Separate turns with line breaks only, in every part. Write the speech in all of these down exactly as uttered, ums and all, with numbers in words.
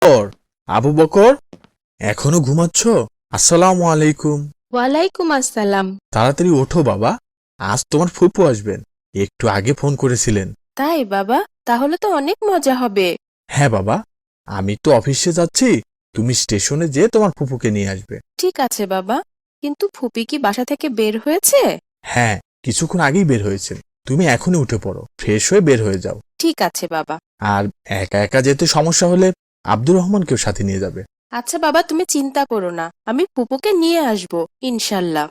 বকর, আবু বকর, এখনো ঘুমাচ্ছ? আসসালামু আলাইকুম।
ওয়ালাইকুম আসসালাম।
তাড়াতাড়ি ওঠো বাবা, আজ তোমার ফুপু আসবেন। একটু আগে ফোন করেছিলেন।
তাই বাবা, তাহলে তো অনেক মজা হবে।
হ্যাঁ বাবা, আমি তো অফিসে যাচ্ছি, তুমি স্টেশনে যেয়ে তোমার ফুপুকে নিয়ে আসবে।
ঠিক আছে বাবা, কিন্তু ফুপি কি বাসা থেকে বের হয়েছে?
হ্যাঁ, কিছুক্ষণ আগেই বের হয়েছেন। তুমি এখনই উঠে পড়ো, ফ্রেশ হয়ে বের হয়ে যাও।
ঠিক আছে বাবা।
আর একা একা যেতে সমস্যা হলে আব্দুর রহমানকেও সাথে নিয়ে যাবে।
আচ্ছা বাবা, তুমি চিন্তা করো না, আমি ফুপুকে নিয়ে আসবো ইনশাল্লাহ।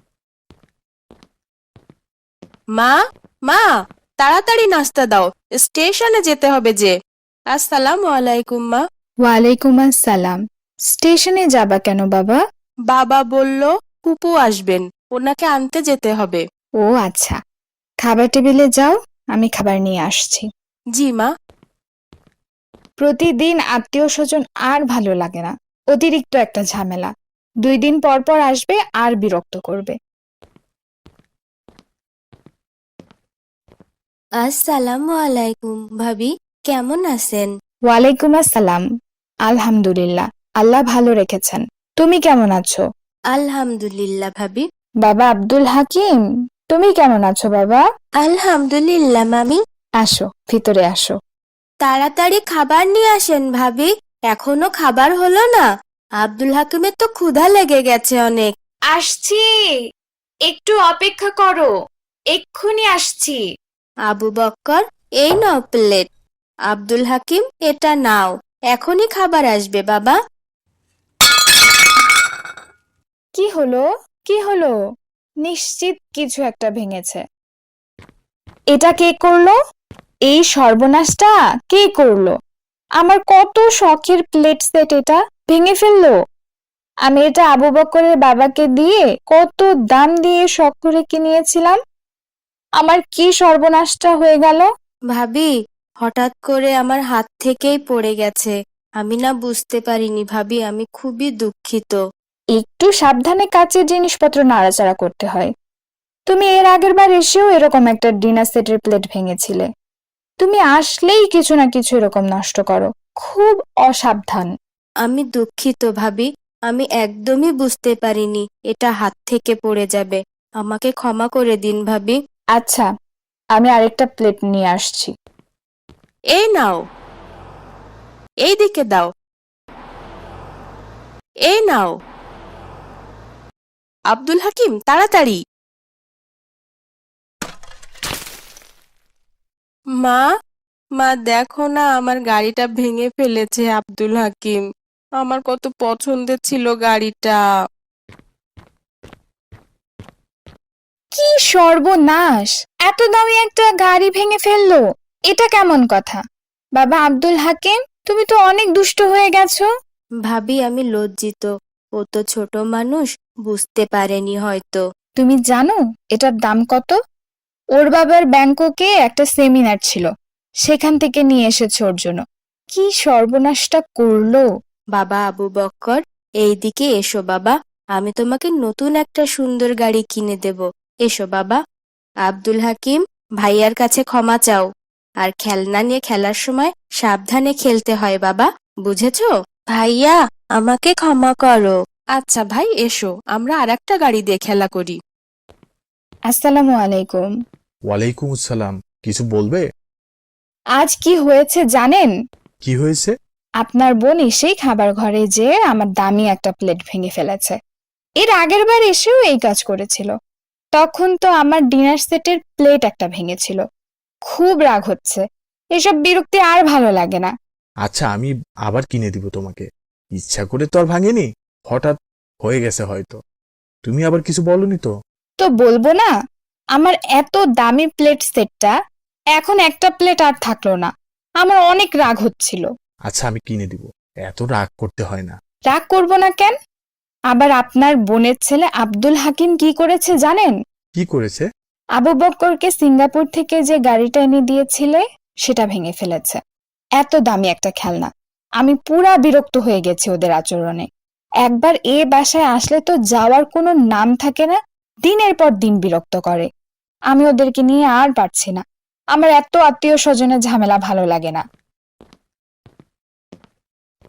মা, মা, তাড়াতাড়ি নাস্তা দাও, স্টেশনে যেতে হবে যে। আসসালামু আলাইকুম মা।
ওয়ালাইকুম আসসালাম। স্টেশনে যাবা কেন বাবা?
বাবা বলল ফুপু আসবেন, ওনাকে আনতে যেতে হবে।
ও আচ্ছা, খাবার টেবিলে যাও, আমি খাবার নিয়ে আসছি।
জি মা।
প্রতিদিন আত্মীয় স্বজন আর ভালো লাগে না, অতিরিক্ত একটা ঝামেলা। দুই দিন পর পর আসবে আর বিরক্ত করবে।
আসসালামু আলাইকুম ভাবি, কেমন আছেন?
ওয়ালাইকুম আসসালাম। আলহামদুলিল্লাহ, আল্লাহ ভালো রেখেছেন। তুমি কেমন আছো?
আলহামদুলিল্লাহ ভাবি।
বাবা আব্দুল হাকিম, তুমি কেমন আছো বাবা?
আলহামদুলিল্লাহ মামি।
আসো, ভিতরে আসো।
তাড়াতাড়ি খাবার নিয়ে আসেন ভাবি, এখনো খাবার হলো না। আব্দুল হাকিমের তো ক্ষুধা লেগে গেছে অনেক।
আসছি, একটু অপেক্ষা করো, এক্ষুনি আসছি।
আবু বক্কর, এই নাও প্লেট। আব্দুল হাকিম, এটা নাও, এখনই খাবার আসবে বাবা।
কি হলো? কি হলো? নিশ্চিত কিছু একটা ভেঙেছে। এটা কে করলো? এই সর্বনাশটা কে করলো? আমার কত শখের প্লেট সেট এটা ভেঙে ফেললো। আমি এটা আবু বকরের বাবাকে দিয়ে কত দাম দিয়ে শখ করে কিনিয়েছিলাম। আমার কি সর্বনাশটা হয়ে গেল।
ভাবি, হঠাৎ করে আমার হাত থেকেই পড়ে গেছে। আমি না বুঝতে পারিনি ভাবি, আমি খুবই দুঃখিত।
একটু সাবধানে কাচের জিনিসপত্র নাড়াচাড়া করতে হয়। তুমি এর আগের বার এসেও এরকম একটা ডিনার সেটের প্লেট ভেঙেছিলে। তুমি আসলেই কিছু না কিছু এরকম নষ্ট করো, খুব অসাবধান।
আমি দুঃখিত ভাবি, আমি একদমই বুঝতে পারিনি এটা হাত থেকে পড়ে যাবে। আমাকে ক্ষমা করে দিন ভাবি।
আচ্ছা, আমি আরেকটা প্লেট নিয়ে আসছি।
এই নাও, এই দিকে দাও, এই নাও। আব্দুল হাকিম, তাড়াতাড়ি। মা, মা দেখো না, আমার গাড়িটা ভেঙে ফেলেছে আব্দুল হাকিম। আমার কত পছন্দের ছিল গাড়িটা।
কি সর্বনাশ! এত দামি একটা গাড়ি ভেঙে ফেললো, এটা কেমন কথা? বাবা আব্দুল হাকিম, তুমি তো অনেক দুষ্ট হয়ে গেছো।
ভাবি, আমি লজ্জিত। ও তো ছোট মানুষ, বুঝতে পারেনি হয়তো।
তুমি জানো এটার দাম কত? ওর বাবার ব্যাংককে একটা সেমিনার ছিল, সেখান থেকে নিয়ে এসেছে ওর জন্য। কি সর্বনাশটা করলো!
বাবা আবু বক্কর, এইদিকে এসো বাবা, আমি তোমাকে নতুন একটা সুন্দর গাড়ি কিনে দেব। এসো বাবা। আব্দুল হাকিম, ভাইয়ার কাছে ক্ষমা চাও। আর খেলনা নিয়ে খেলার সময় সাবধানে খেলতে হয় বাবা, বুঝেছো? ভাইয়া, আমাকে ক্ষমা করো।
আচ্ছা ভাই, এসো আমরা আর একটা গাড়ি দিয়ে খেলা করি।
আসসালামু আলাইকুম।
ওয়ালাইকুম আসসালাম। কিছু বলবে?
আজ কি হয়েছে জানেন?
কি হয়েছে?
আপনার বোন এসেই খাবার ঘরে যেয়ে আমার দামি একটা প্লেট ভেঙে ফেলেছে। এর আগের বার এসেও এই কাজ করেছিল। তখন তো আমার ডিনার সেটের প্লেট একটা ভেঙেছিল। খুব রাগ হচ্ছে, এসব বিরক্তি আর ভালো লাগে না।
আচ্ছা, আমি আবার কিনে দিব তোমাকে। ইচ্ছা করে তো আর ভাঙেনি, হঠাৎ হয়ে গেছে হয়তো। তুমি আবার কিছু বলনি তো?
তো বলবো না? আমার এত দামি প্লেট সেটটা এখন একটা প্লেট আর থাকলো না। আমার অনেক রাগ হচ্ছিল।
আচ্ছা, আমি কিনে দিব, এত রাগ করতে হয় না।
রাগ করবো না কেন? আবার আপনার বোনের ছেলে আব্দুল হাকিম কি করেছে জানেন?
কি করেছে?
আবু বক্করকে সিঙ্গাপুর থেকে যে গাড়িটা এনে দিয়েছিলে সেটা ভেঙে ফেলেছে। এত দামি একটা খেলনা। আমি পুরা বিরক্ত হয়ে গেছি ওদের আচরণে। একবার এ বাসায় আসলে তো যাওয়ার কোনো নাম থাকে না, দিনের পর দিন বিরক্ত করে। আমি ওদেরকে নিয়ে আর পারছি না। আমার এত আত্মীয় স্বজনের ঝামেলা ভালো লাগে না।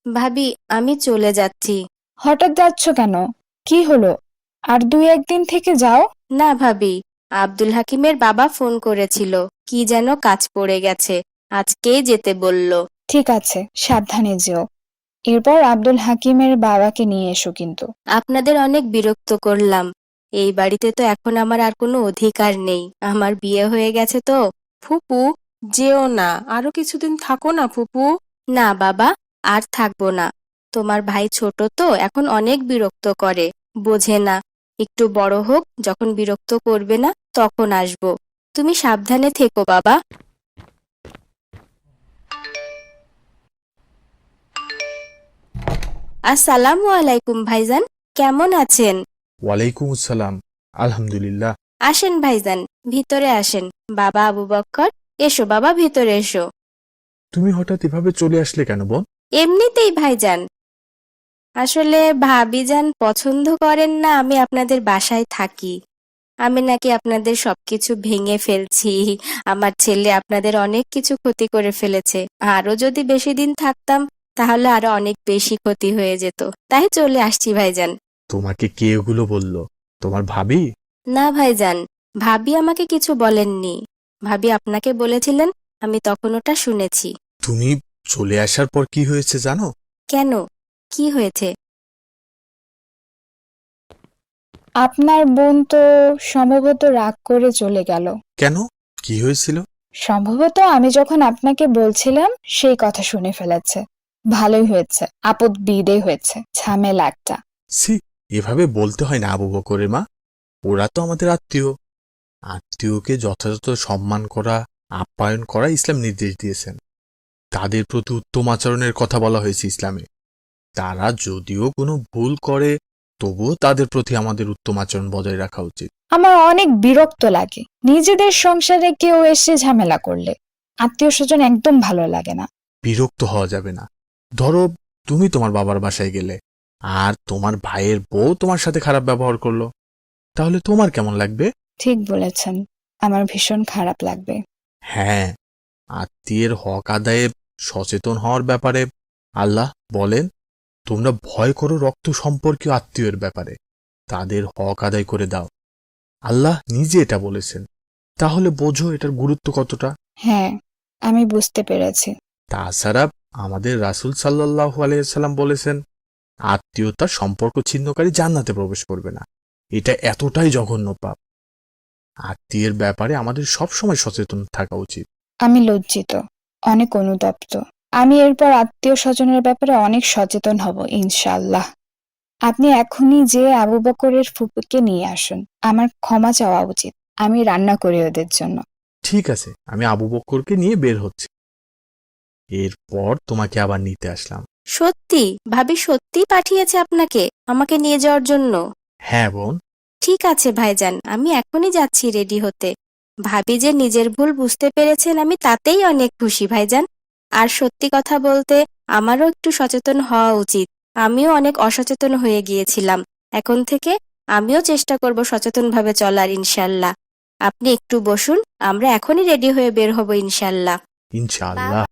ভাবি আমি চলে যাচ্ছি।
হঠাৎ যাচ্ছ কেন? কি হলো? আর দুই একদিন থেকে যাও।
না ভাবি, আব্দুল হাকিমের বাবা ফোন করেছিল, কি যেন কাজ পড়ে গেছে, আজকেই যেতে বলল।
ঠিক আছে, সাবধানে যেও। এরপর আব্দুল হাকিমের বাবাকে নিয়ে এসো কিন্তু।
আপনাদের অনেক বিরক্ত করলাম। এই বাড়িতে তো এখন আমার আর কোনো অধিকার নেই, আমার বিয়ে হয়ে গেছে তো।
ফুপু, যেও না, আরো কিছুদিন থাকো না ফুপু।
না বাবা, আর থাকবো না। তোমার ভাই ছোট তো, এখন অনেক বিরক্ত করে, বোঝে না। একটু বড় হোক, যখন বিরক্ত করবে না তখন আসবো। তুমি সাবধানে থেকো বাবা। আসসালামু আলাইকুম ভাইজান, কেমন আছেন?
ওয়ালাইকুম আসসালাম। আলহামদুলিল্লাহ।
আসেন ভাইজান, ভিতরে আসেন। বাবা আবু বক্কর, এসো বাবা, ভিতরে এসো।
তুমি হঠাৎ এভাবে চলে আসলে কেন বোন?
এমনিতেই ভাইজান, আসলে ভাবিজান পছন্দ করেন না আমি আপনাদের বাসায় থাকি। আমি নাকি আপনাদের সবকিছু ভেঙে ফেলছি, আমার ছেলে আপনাদের অনেক কিছু ক্ষতি করে ফেলেছে। আরো যদি বেশি দিন থাকতাম তাহলে আরো অনেক বেশি ক্ষতি হয়ে যেত, তাই চলে আসছি ভাইজান।
তোমাকে কে এগুলো বলল? তোমার ভাবি?
না ভাইজান, ভাবি আমাকে কিছু বলেননি। ভাবি আপনাকে বলেছিলেন, আমি তখন ওটা শুনেছি।
তুমি চলে আসার পর কি হয়েছে জানো?
কেন, কি হয়েছে?
আপনার বোন তো সম্ভবত রাগ করে চলে গেল।
কেন? কি হয়েছিল?
সম্ভবত আমি যখন আপনাকে বলছিলাম সেই কথা শুনে ফেলেছে। ভালোই হয়েছে, আপদ বিদে হয়েছে, ঝামেলা একটা।
সি, এভাবে বলতে হয় না আবু বকরের মা। ওরা তো আমাদের আত্মীয়। আত্মীয়কে যথাযথ সম্মান করা, আপ্যায়ন করা ইসলাম নির্দেশ দিয়েছেন। তাদের প্রতি উত্তম আচরণের কথা বলা হয়েছে ইসলামে। তারা যদিও কোনো ভুল করে, তবুও তাদের প্রতি আমাদের উত্তম আচরণ বজায় রাখা উচিত।
আমার অনেক বিরক্ত লাগে নিজেদের সংসারে কেউ এসে ঝামেলা করলে। আত্মীয় স্বজন একদম ভালো লাগে না।
বিরক্ত হওয়া যাবে না। ধরো তুমি তোমার বাবার বাসায় গেলে, আর তোমার ভাইয়ের বউ তোমার সাথে খারাপ ব্যবহার করলো, তাহলে তোমার কেমন লাগবে?
ঠিক বলেছেন, আমার ভীষণ খারাপ লাগবে।
হ্যাঁ, আত্মীয়ের হক আদায়ে সচেতন হওয়ার ব্যাপারে আল্লাহ বলেন, তোমরা ভয় করো রক্ত সম্পর্কীয় আত্মীয়ের ব্যাপারে, তাদের হক আদায় করে দাও। আল্লাহ নিজে এটা বলেছেন। তাহলে বোঝো এটার গুরুত্ব কতটা।
হ্যাঁ, আমি বুঝতে পেরেছি।
তাছাড়া আমাদের রাসূল সাল্লাল্লাহু আলাইহি সাল্লাম বলেছেন, আত্মীয়তার সম্পর্ক ছিন্নকারী জান্নাতে প্রবেশ করবে না। এটা এতটাই জঘন্য পাপ। আত্মীয়ের ব্যাপারে আমাদের সবসময় সচেতন থাকা উচিত।
আমি লজ্জিত, অনেক অনুতপ্ত। আমি এরপর আত্মীয় স্বজনের ব্যাপারে অনেক সচেতন হব ইনশাআল্লাহ। আপনি এখনই যে আবু বকরের ফুপুকে নিয়ে আসুন, আমার ক্ষমা চাওয়া উচিত। আমি রান্না করি ওদের জন্য।
ঠিক আছে, আমি আবু বক্করকে নিয়ে বের হচ্ছি। এরপর তোমাকে আবার নিতে আসলাম।
সত্যি ভাবি সত্যি পাঠিয়েছে আপনাকে আমাকে নিয়ে যাওয়ার জন্য?
হ্যাঁ বোন।
ঠিক আছে ভাইজান, আমি এখনই যাচ্ছি রেডি হতে। ভাবি যে নিজের ভুল বুঝতে পেরেছেন, আমি তাতেই অনেক খুশি ভাইজান। আর সত্যি কথা বলতে আমারও একটু সচেতন হওয়া উচিত। আমিও অনেক অসচেতন হয়ে গিয়েছিলাম। এখন থেকে আমিও চেষ্টা করব সচেতনভাবে চলার ইনশাল্লাহ। আপনি একটু বসুন, আমরা এখনই রেডি হয়ে বের হব ইনশাল্লাহ।
ইনশাআল্লাহ।